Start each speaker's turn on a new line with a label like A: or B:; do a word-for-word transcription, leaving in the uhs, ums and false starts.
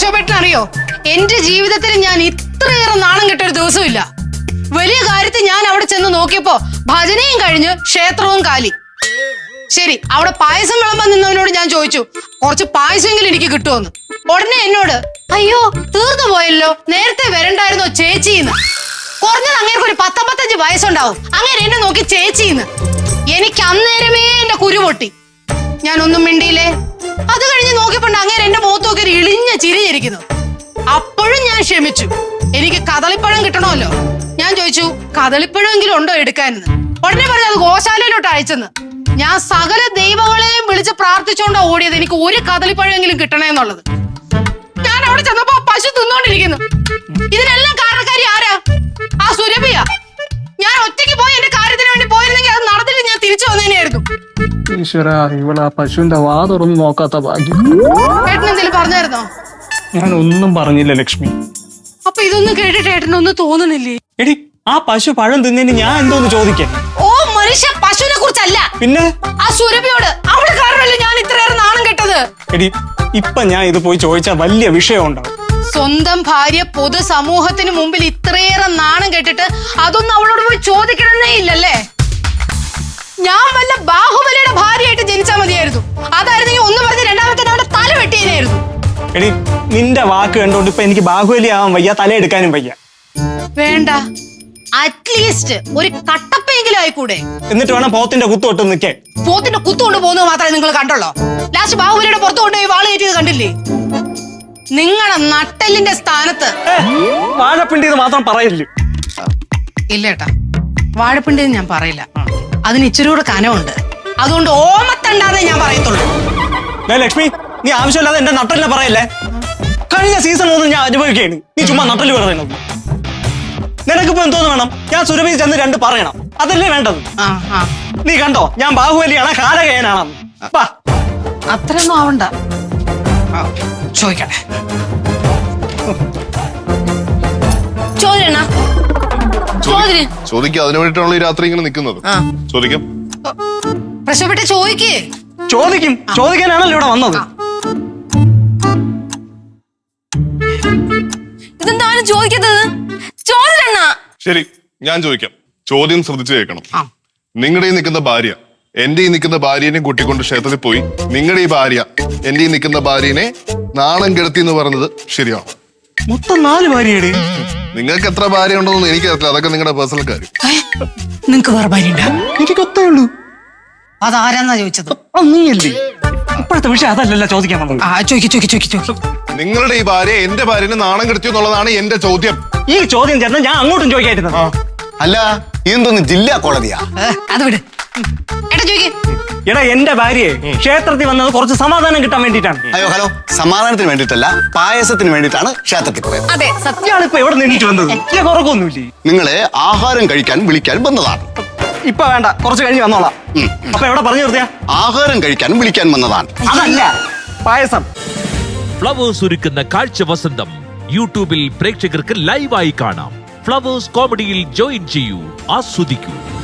A: പ്രശോഭേട്ടൻ അറിയോ, എന്റെ ജീവിതത്തിൽ ഞാൻ ഇത്രയേറെ നാണം കെട്ടൊരു ദിവസമില്ല. വലിയ കാര്യത്തിൽ ഞാൻ അവിടെ ചെന്ന് നോക്കിയപ്പോ ഭജനയും കഴിഞ്ഞ് ക്ഷേത്രവും കാലി. ശരി, അവിടെ പായസം വിളമ്പാൻ നിന്നവനോട് ഞാൻ ചോദിച്ചു കുറച്ച് പായസമെങ്കിലും എനിക്ക് കിട്ടുമെന്ന്. ഉടനെ എന്നോട് അയ്യോ തീർന്നു പോയല്ലോ, നേരത്തെ വരണ്ടായിരുന്നോ ചേച്ചിന്ന്. കുറഞ്ഞത് അങ്ങേർക്ക് ഒരു പത്തൊമ്പത്തഞ്ച് വയസ്സുണ്ടാവും. അങ്ങനെ എന്നെ നോക്കി ചേച്ചിന്ന്. എനിക്ക് അന്നേരമേ എന്റെ കുരു പൊട്ടി. ഞാൻ ഒന്നും മിണ്ടിയില്ലേ. അത് കഴിഞ്ഞ് നോക്കിയപ്പോണ്ട് അങ്ങനെ എന്റെ മുഖത്ത് നോക്കി ഒരു ഇളിഞ്ഞ ചിരിഞ്ഞിരിക്കുന്നു. അപ്പോഴും ഞാൻ ക്ഷമിച്ചു. എനിക്ക് കദളിപ്പഴം കിട്ടണമല്ലോ. ഞാൻ ചോദിച്ചു കദളിപ്പഴമെങ്കിലും ഉണ്ടോ എടുക്കാനെന്ന്. ഉടനെ പറഞ്ഞു അത് ഗോശാലയിലോട്ട് അയച്ചെന്ന്. ഞാൻ സകല ദൈവങ്ങളെയും വിളിച്ച് പ്രാർത്ഥിച്ചുകൊണ്ടാ ഓടിയത് എനിക്ക് ഒരു കദളിപ്പഴമെങ്കിലും കിട്ടണേന്നുള്ളത്. ഞാൻ അവിടെ ചെന്നപ്പോ പശു തിന്നോണ്ടിരിക്കുന്നു. ഇതിനെല്ലാം കാരണക്കാരി ആരാ? ആ സുരഭിയ. ഞാൻ ഒറ്റയ്ക്ക് പോയി എന്റെ കാര്യത്തിന് വേണ്ടി പോയിരുന്നെങ്കിൽ അത് നടന്നിട്ട് ഞാൻ തിരിച്ചു വന്നേനെയായിരുന്നു.
B: ഈശ്വര, ഇവളാ പശുവിന്റെ വാ തുറന്ന് നോക്കാത്ത ഭാഗ്യം.
A: ഏട്ടൻ എന്തെങ്കിലും പറഞ്ഞായിരുന്നോ?
B: ഞാൻ ഒന്നും പറഞ്ഞില്ല ലക്ഷ്മി.
A: അപ്പൊ ഇതൊന്നും കേട്ടിട്ട് ഏട്ടനൊന്നും തോന്നുന്നില്ലേ?
B: എടി, ആ പശു പഴം തിന്നതിന് ഞാൻ എന്തോന്ന് ചോദിക്കാൻ?
A: ഓ മനുഷ്യ, പശുവിനെ കുറിച്ചല്ല,
B: പിന്നെ
A: ആ സുരഭിയോട്. അവള് കാരണമല്ലേ ഞാൻ ഇത്രയേറെ നാണം കെട്ടത്.
B: എടി, ഇപ്പൊ ഞാൻ ഇത് പോയി ചോദിച്ചാൽ വലിയ വിഷയം ഉണ്ടാവും.
A: സ്വന്തം ഭാര്യ പൊതു സമൂഹത്തിന് മുമ്പിൽ ഇത്രയേറെ നാണം കെട്ടിട്ട് അതൊന്നും അവളോട് പോയി ചോദിക്കണമെന്നേ ഇല്ലല്ലേ? ഞാൻ വല്ല ബാഹുബലിയുടെ ഭാര്യയായിട്ട് ജനിച്ചാൽ മതിയായിരുന്നു. അതായിരുന്നെങ്കിൽ ഒന്ന് പറഞ്ഞ് രണ്ടാമത്തെ അവന്റെ തല വെട്ടിയനായിരുന്നു.
B: എടി, നിന്റെ വാക്ക് കണ്ടോണ്ട് ഇപ്പൊ എനിക്ക് ബാഹുബലി ആവാൻ വയ്യ, തല എടുക്കാനും വയ്യ.
A: വേണ്ട, അറ്റ്ലീസ്റ്റ് ഒരു കട്ടപ്പെങ്കിലും ആയിക്കൂടെ?
B: എന്നിട്ട് വേണം പോത്തിന്റെ കുത്തു തൊട്ട് നിൽക്കേ.
A: പോത്തിന്റെ കുത്തു കൊണ്ട് പോകുന്നത് മാത്രമേ നിങ്ങൾ കണ്ടുള്ളൂ. ലാസ്റ്റ് ബാഹുബലിയുടെ പുറത്തു കൊണ്ടുപോയി വാള് കയറ്റിയത് കണ്ടില്ലേ? നിങ്ങളുടെ നട്ടെല്ലിന്റെ സ്ഥാനത്ത്
B: വാഴപ്പിണ്ടി മാത്രം പറയില്ല.
A: ഇല്ല ഏട്ടാ, വാഴപ്പിണ്ടി ഞാൻ പറയില്ല. അതിന് ഇച്ചിരി കൂടെ കനമുണ്ട്. അതുകൊണ്ട് ഓമത്തണ്ടാന്നേ ഞാൻ പറയത്തുള്ളൂ.
B: ലക്ഷ്മി, നീ ആവശ്യമില്ലാതെ എന്റെ നട്ടലിനെ പറയല്ലേ. കഴിഞ്ഞ സീസൺ ഒന്നും ഞാൻ അനുഭവിക്കുകയാണ്. നീ ചുമ്മാ നട്ടല് പറയുന്നത്. നിനക്കിപ്പോ എന്തോന്ന് വേണം? ഞാൻ സുരഭി ചെന്ന് രണ്ട് പറയണം, അതല്ലേ വേണ്ടത്? നീ കണ്ടോ ഞാൻ ബാഹുബലിയാണ് കാലകയനാണ്.
A: അത്രയൊന്നും ആവണ്ട. ചോദിക്കട്ടെ, ചോദിക്കണ
C: ചോദിക്കാം. അതിനു വേണ്ടിയിട്ടാണല്ലോ ഈ രാത്രി ഇങ്ങനെ നിൽക്കുന്നത്. ചോദിക്കാം.
A: പ്രശ്നപ്പെട്ട് ചോദിക്കേ.
B: ചോദിക്കും, ചോദിക്കാനാണല്ലോ ഇവിടെ വന്നത്.
A: ഇതെന്താണ് ചോദിക്കുന്നത്? ചോദിക്കണ.
C: ശരി, ഞാൻ ചോദിക്കാം. ചോദ്യം ശ്രദ്ധിച്ചു കേൾക്കണം. നിങ്ങളുടെ ഈ നിൽക്കുന്ന ഭാര്യ എന്റെ ഈ നിൽക്കുന്ന ഭാര്യനെ കൂട്ടിക്കൊണ്ട് ക്ഷേത്രത്തിൽ പോയി നിങ്ങളുടെ ഈ ഭാര്യ എന്റെ ഈ നിൽക്കുന്ന ഭാര്യനെ നാണം കെടുത്തി എന്ന് പറഞ്ഞത് ശരിയാണോ?
B: മൊത്തം നാല് ഭാര്യയുടെ.
C: നിങ്ങൾക്ക് എത്ര ഭാര്യ ഉണ്ടെന്ന് എനിക്കറിയില്ല. അതൊക്കെ നിങ്ങളുടെ പേഴ്സണൽ കാര്യം.
A: നിങ്ങക്ക് വേറെ ഭാര്യ ഉണ്ടാ?
B: എനിക്ക് ഒത്തേ ഉള്ളൂ.
A: അതാരാന്നാ ചോദിച്ചത്?
B: നീയല്ലേ. ഇപ്പോഴത്തെ വിഷയം അതല്ലല്ലോ ചോദിക്കാൻ വന്നത്.
A: ആ ചോദിക്കും ചോദിക്കും ചോദിക്കും ചോദിക്കും.
C: നിങ്ങളുടെ ഈ ഭാര്യ എന്റെ ഭാര്യനെ നാണം കെടുത്തി എന്നുള്ളതാണ് എന്റെ ചോദ്യം.
B: ഈ ചോദ്യം ചേർന്ന് ഞാൻ അങ്ങോട്ടും ചോദിക്കായിരുന്നു.
D: അല്ല, ഇതെന്തോന്ന് ജില്ലാ കോടതിയാ?
A: അത് വിട്. ഏട്ടാ ചോദിക്കേ.
B: എടാ, എന്റെ ഭാര്യയെ ക്ഷേത്രത്തിൽ വന്നത് കുറച്ച് സമാധാനം കിട്ടാൻ വേണ്ടിയിട്ടാണ്.
D: അയ്യോ ഹലോ, സമാധാനത്തിന് വേണ്ടിയിട്ടല്ല, പായസത്തിന് വേണ്ടിയിട്ടാണ് ക്ഷേത്രത്തിൽ പോയത്.
A: അതെ സത്യം.
B: ഇയാൾ ഇപ്പൊ എവിടെ നിന്നിട്ട് വന്നത്? കുറക്കൊന്നുമില്ലേ?
D: നിങ്ങളെ ആഹാരം കഴിക്കാൻ വിളിക്കാൻ വന്നതാണ്.
B: ഇപ്പൊ വേണ്ട, കുറച്ച് കഴിഞ്ഞ് വന്നോളാം. അപ്പൊ എവിടെ പറഞ്ഞു നിർത്തിയാ?
D: ആഹാരം കഴിക്കാൻ വിളിക്കാൻ വന്നതാണ്.
B: അതല്ല, പായസം.
E: ഫ്ലവേഴ്സ് ഒരുക്കുന്ന കാഴ്ച വസന്തം യൂട്യൂബിൽ പ്രേക്ഷകർക്ക് ലൈവായി കാണാം. ഫ്ലവേഴ്സ് കോമഡിയിൽ ജോയിൻ ചെയ്യൂ, ആസ്വദിക്കൂ.